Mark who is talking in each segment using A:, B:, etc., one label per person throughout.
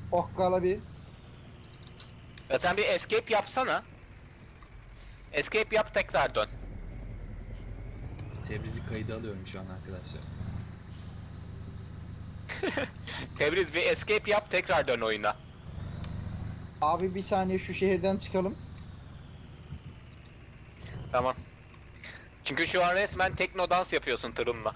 A: Okkala bir.
B: Ya sen bir escape yapsana. Escape yap, tekrar dön.
C: Tebrizi kaydı alıyorum şu an arkadaşlar.
B: Tebriz, bir escape yap, tekrar dön oyuna.
A: Abi bir saniye şu şehirden çıkalım.
B: Tamam. Çünkü şu an resmen tekno dans yapıyorsun tırınla.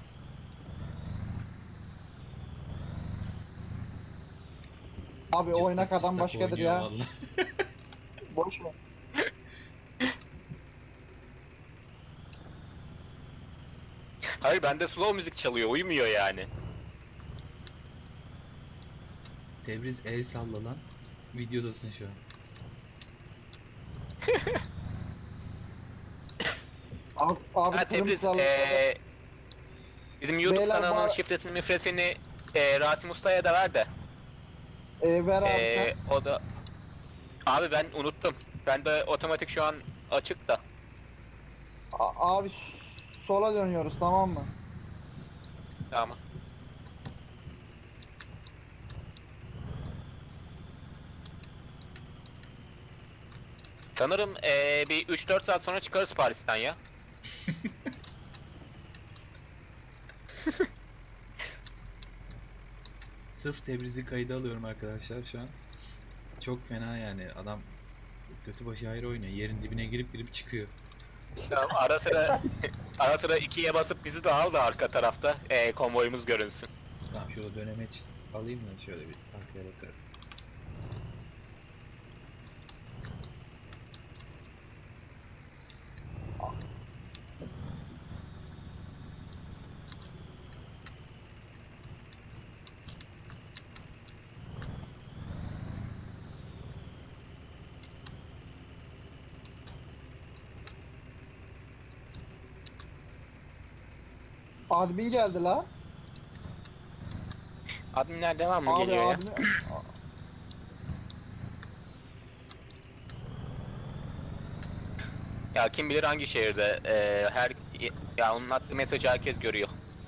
A: Abi oynak
C: Cıstak
A: adam
C: cıstak
A: başkadır
C: oynuyor
A: ya.
C: vallahi.
A: Boş ver.
B: Hayır, bende slow müzik çalıyor, uymuyor yani.
C: Tebriz el salla lan. Videodasın şu an.
A: Abi
B: Ha
A: tırım
B: Tebriz,
A: sağlam.
B: bizim YouTube
A: Beyler,
B: kanalının
A: bu-
B: şifresini mifresini Rasim Usta'ya da ver de.
A: Ver abi sen.
B: O da... Abi ben unuttum. Ben de otomatik şu an açık da.
A: Abi sola dönüyoruz, tamam mı?
B: Tamam. Sanırım bir 3-4 saat sonra çıkarız Paris'ten ya.
C: Sırf Tebriz'i kayda alıyorum arkadaşlar şu an. Çok fena yani adam götü başı ayrı oynuyor. Yerin dibine girip çıkıyor.
B: Tamam, ara sıra 2'ye basıp bizi de al da arka tarafta konvoyumuz görünsün.
C: Tamam şurada dönemeç alayım da şöyle bir arkaya bakarım.
A: Admin geldi la.
B: Adminler devamlı
A: Abi
B: geliyor ya.
A: admin.
B: Ya kim bilir hangi şehirde ya onun attığı mesajı herkes görüyor.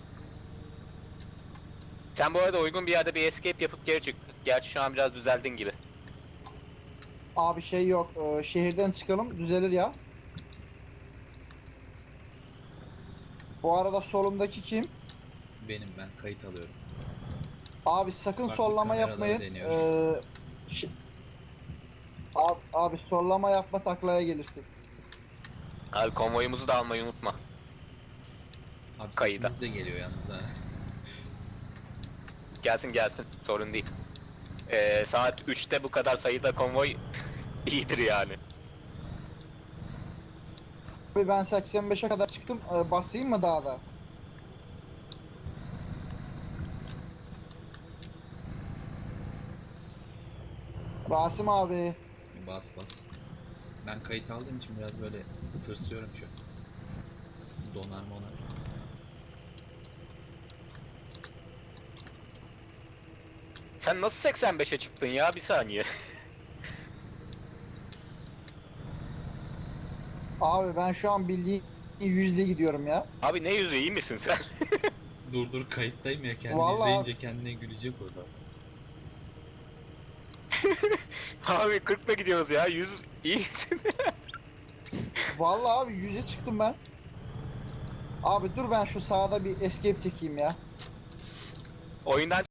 B: Sen bu arada uygun bir yerde bir escape yapıp geri çık. Gerçi şu an biraz düzeldin gibi.
A: Abi şey yok. Şehirden çıkalım, düzelir ya. Bu arada solumdaki kim?
C: Benim ben kayıt alıyorum.
A: Abi sakın
C: Farklı
A: sollama
C: kameraları
A: yapmayın.
C: deniyoruz.
A: Abi sollama yapma, taklaya gelirsin.
B: Abi konvoyumuzu da almayı unutma.
C: Abi
B: Kayıda.
C: sesiniz de geliyor yalnız ha.
B: Gelsin gelsin, sorun değil. Saat 3'te bu kadar sayıda konvoy iyidir yani.
A: Abi ben 85'e kadar çıktım. Basayım mı daha da? Rasim abi.
C: Bas bas. Ben kayıt aldığım için biraz böyle tırsıyorum şu an. Donar monar.
B: Sen nasıl 85'e çıktın ya, bir saniye.
A: Abi ben şu an bildiğin yüzde gidiyorum ya.
B: Abi ne yüzü, iyi misin sen?
C: Dur kayıttayım ya kendini
A: Vallahi-
C: izleyince kendine gülecek orada.
B: Abi 40'la gidiyoruz ya, 100 iyi misin?
A: Vallahi abi 100'e çıktım ben. Abi dur ben şu sağda bir escape çekeyim ya.
B: Oyundan